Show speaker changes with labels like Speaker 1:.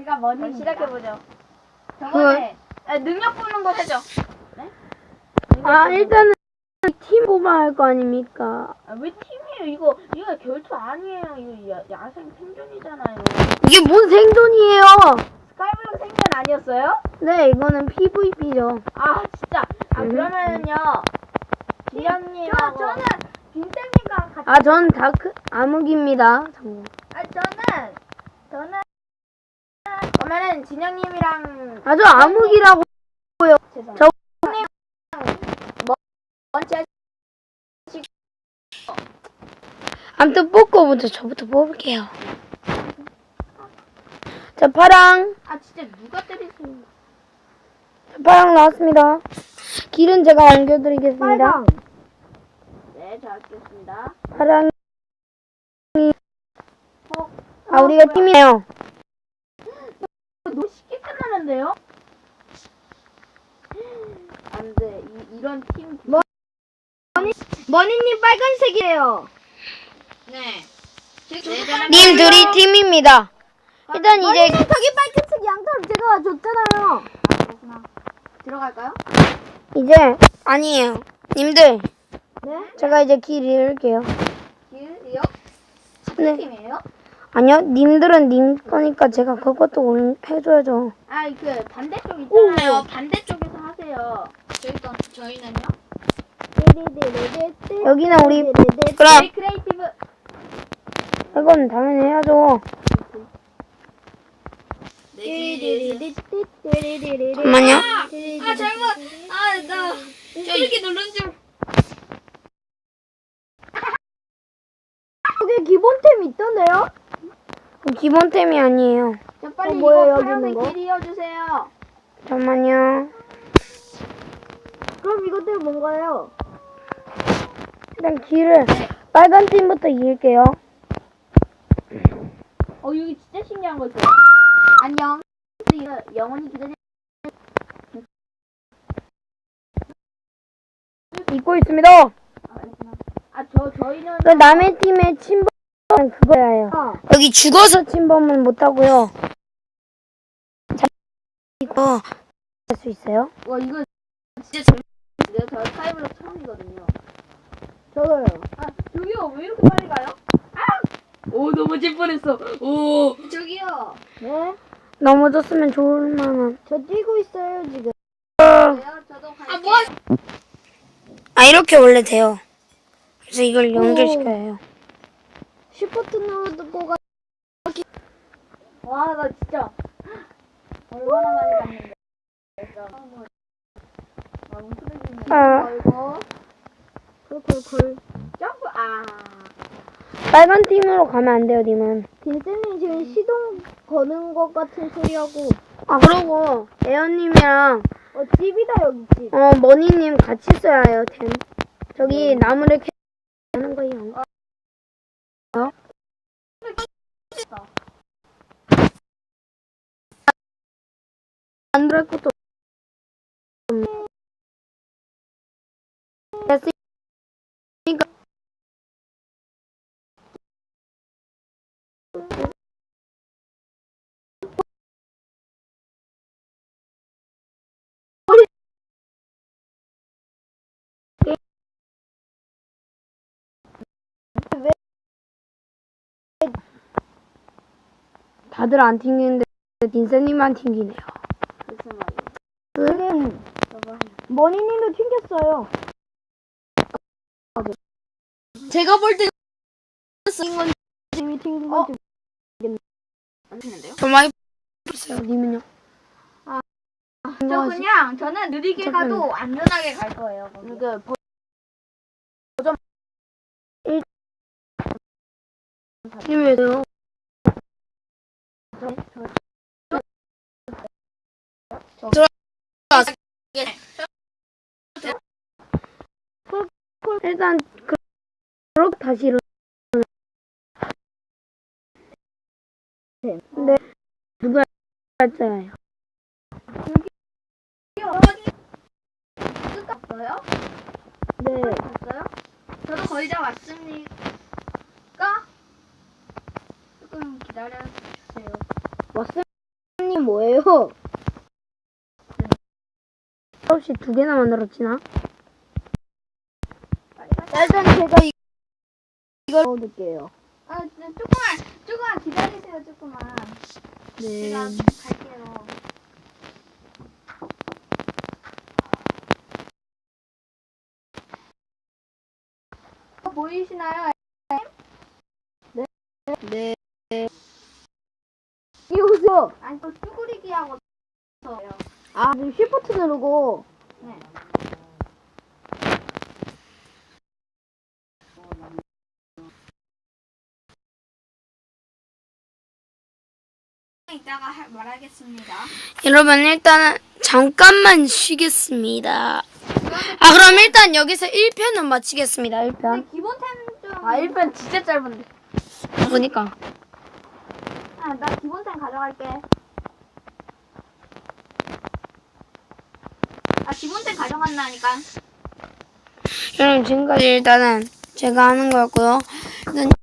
Speaker 1: 제가 머니
Speaker 2: 시작해보죠.
Speaker 1: 저번에 능력 뽑는 거 하죠. 네?
Speaker 3: 일단은 팀 뽑아야 할 거 아닙니까?
Speaker 2: 왜 팀이에요? 이거 결투 아니에요. 이거 야생 생존이잖아요.
Speaker 3: 이게 뭔 생존이에요?
Speaker 2: 스카이블록 생존 아니었어요?
Speaker 3: 네, 이거는 PVP죠.
Speaker 2: 아 진짜. 그러면은요. 기현님하고
Speaker 1: 저는 빈쌤님과 같이
Speaker 3: 전 다크 암흑입니다. 참고.
Speaker 1: 저는
Speaker 2: 그러면은 진영님이랑
Speaker 3: 저 암흑이라고.
Speaker 2: 죄송합니다. 먼저
Speaker 3: 아무튼 뽑고 먼저 저부터 뽑을게요. 자, 파랑.
Speaker 2: 진짜 누가 때리세요?
Speaker 3: 파랑 나왔습니다. 길은 제가 옮겨드리겠습니다.
Speaker 2: 네, 잘 알겠습니다.
Speaker 3: 파랑이. 우리가 팀이에요.
Speaker 2: 너무 쉽게 끝나는데요? 안 돼. 이런 팀.
Speaker 1: 머니님 빨간색이에요.
Speaker 2: 네.
Speaker 3: 님들이 팀입니다. 일단 이제
Speaker 1: 저기 빨간색 양털 제가 줬잖아요.
Speaker 2: 그렇구나. 들어갈까요?
Speaker 3: 이제 아니에요. 님들,
Speaker 1: 네?
Speaker 3: 제가 이제 길 잃을게요.
Speaker 2: 길이요?
Speaker 3: 네.
Speaker 2: 팀이에요?
Speaker 3: 아니요, 님들은 님 거니까 제가 그것도 해줘야죠.
Speaker 2: 그 반대쪽 있잖아요. 반대쪽에서 하세요. 저희는요?
Speaker 3: 여기는 우리 그럼
Speaker 2: 저희 크리에이티브.
Speaker 3: 이건 당연히 해야죠. 잠깐만요.
Speaker 2: 잘못. 나 이렇게 누른 줄.
Speaker 1: 여기 기본템 있던데요?
Speaker 3: 기본템이 아니에요.
Speaker 2: 자, 빨리
Speaker 1: 뭐예요,
Speaker 2: 이거
Speaker 1: 여기
Speaker 2: 파란색
Speaker 1: 있는 거?
Speaker 2: 길 이어주세요.
Speaker 3: 잠깐만요.
Speaker 1: 그럼 이것들 뭔가요?
Speaker 3: 일단 길을 빨간 팀부터 이을게요.
Speaker 2: 여기 진짜 신기한 거 있어요. 안녕. 이거 영원히 기다려.
Speaker 3: 잊고 있습니다.
Speaker 2: 저희는
Speaker 3: 그 남의 팀의 침범은 그거예요. 여기 죽어서 침범은 못하고요. 이거 할 수 있어요?
Speaker 2: 와 이거 진짜 재밌는데요. 저 스카이블록 처음이거든요.
Speaker 1: 저도요.
Speaker 2: 저기요 왜 이렇게 빨리 가요? 오 넘어질 뻔했어. 오 저기요.
Speaker 1: 네?
Speaker 3: 넘어졌으면 좋을 만한.
Speaker 1: 저 뛰고 있어요 지금.
Speaker 2: 저도 갈게요.
Speaker 3: 이렇게 원래 돼요. 그래서 이걸 연결시켜야 해요.
Speaker 1: 슈퍼트 누르고 가.
Speaker 2: 와 나 진짜 얼마나 많이 갔는데. 걸고
Speaker 1: 콜콜콜.
Speaker 2: 점프.
Speaker 3: 빨간 팀으로 가면 안 돼요, 님은.
Speaker 1: 빈쌤님 지금 시동 거는 것 같은 소리하고.
Speaker 3: 그러고 에어님이랑
Speaker 1: 집이다 여기 집.
Speaker 3: 머니님 같이 써야 해요, 템. 저기 나무를 하는 거예요. 안 들어갈 것도 됐으니까 다들 안 튕기는데 딘세님만 튕기네요.
Speaker 2: 무슨 말이야?
Speaker 1: 머니님도 튕겼어요.
Speaker 3: 제가 볼 때
Speaker 1: 님이 튕긴 건지.
Speaker 2: 안 되는데요?
Speaker 3: 저 많이 봤어요. 님은요?
Speaker 2: 저는 느리게 가도 안전하게 갈 거예요.
Speaker 3: 님 왜요? 일단 그렇게 다시 일어나. 네. 누가 할까요?
Speaker 2: 끝났어요?
Speaker 1: 네.
Speaker 2: 됐어요? 저도 거의 다 왔으니까 조금 기다려주세요.
Speaker 1: 왔습니다. 뭐예요?
Speaker 3: 혹시 2개나 만들었지나?
Speaker 1: 일단 제가 이걸 넣어둘게요.
Speaker 2: 아, 조금만 기다리세요, 조금만.
Speaker 1: 네.
Speaker 2: 제가 갈게요. 보이시나요?
Speaker 1: 네. 이리 오세요.
Speaker 2: 아니, 또 쭈구리기 하고 있어요.
Speaker 1: 아, 쉬프트 누르고.
Speaker 2: 네. 이따가 말하겠습니다.
Speaker 3: 여러분 일단은 잠깐만 쉬겠습니다. 그럼 일단 여기서 1편은 마치겠습니다. 1편.
Speaker 2: 기본템 좀.
Speaker 1: 아, 1편 진짜 짧은데.
Speaker 3: 보니까.
Speaker 2: 아, 나 기본템 가져갈게. 아, 기본템 가져간다니까.
Speaker 3: 여러분 지금까지 일단은 제가 하는 거였고요. 일단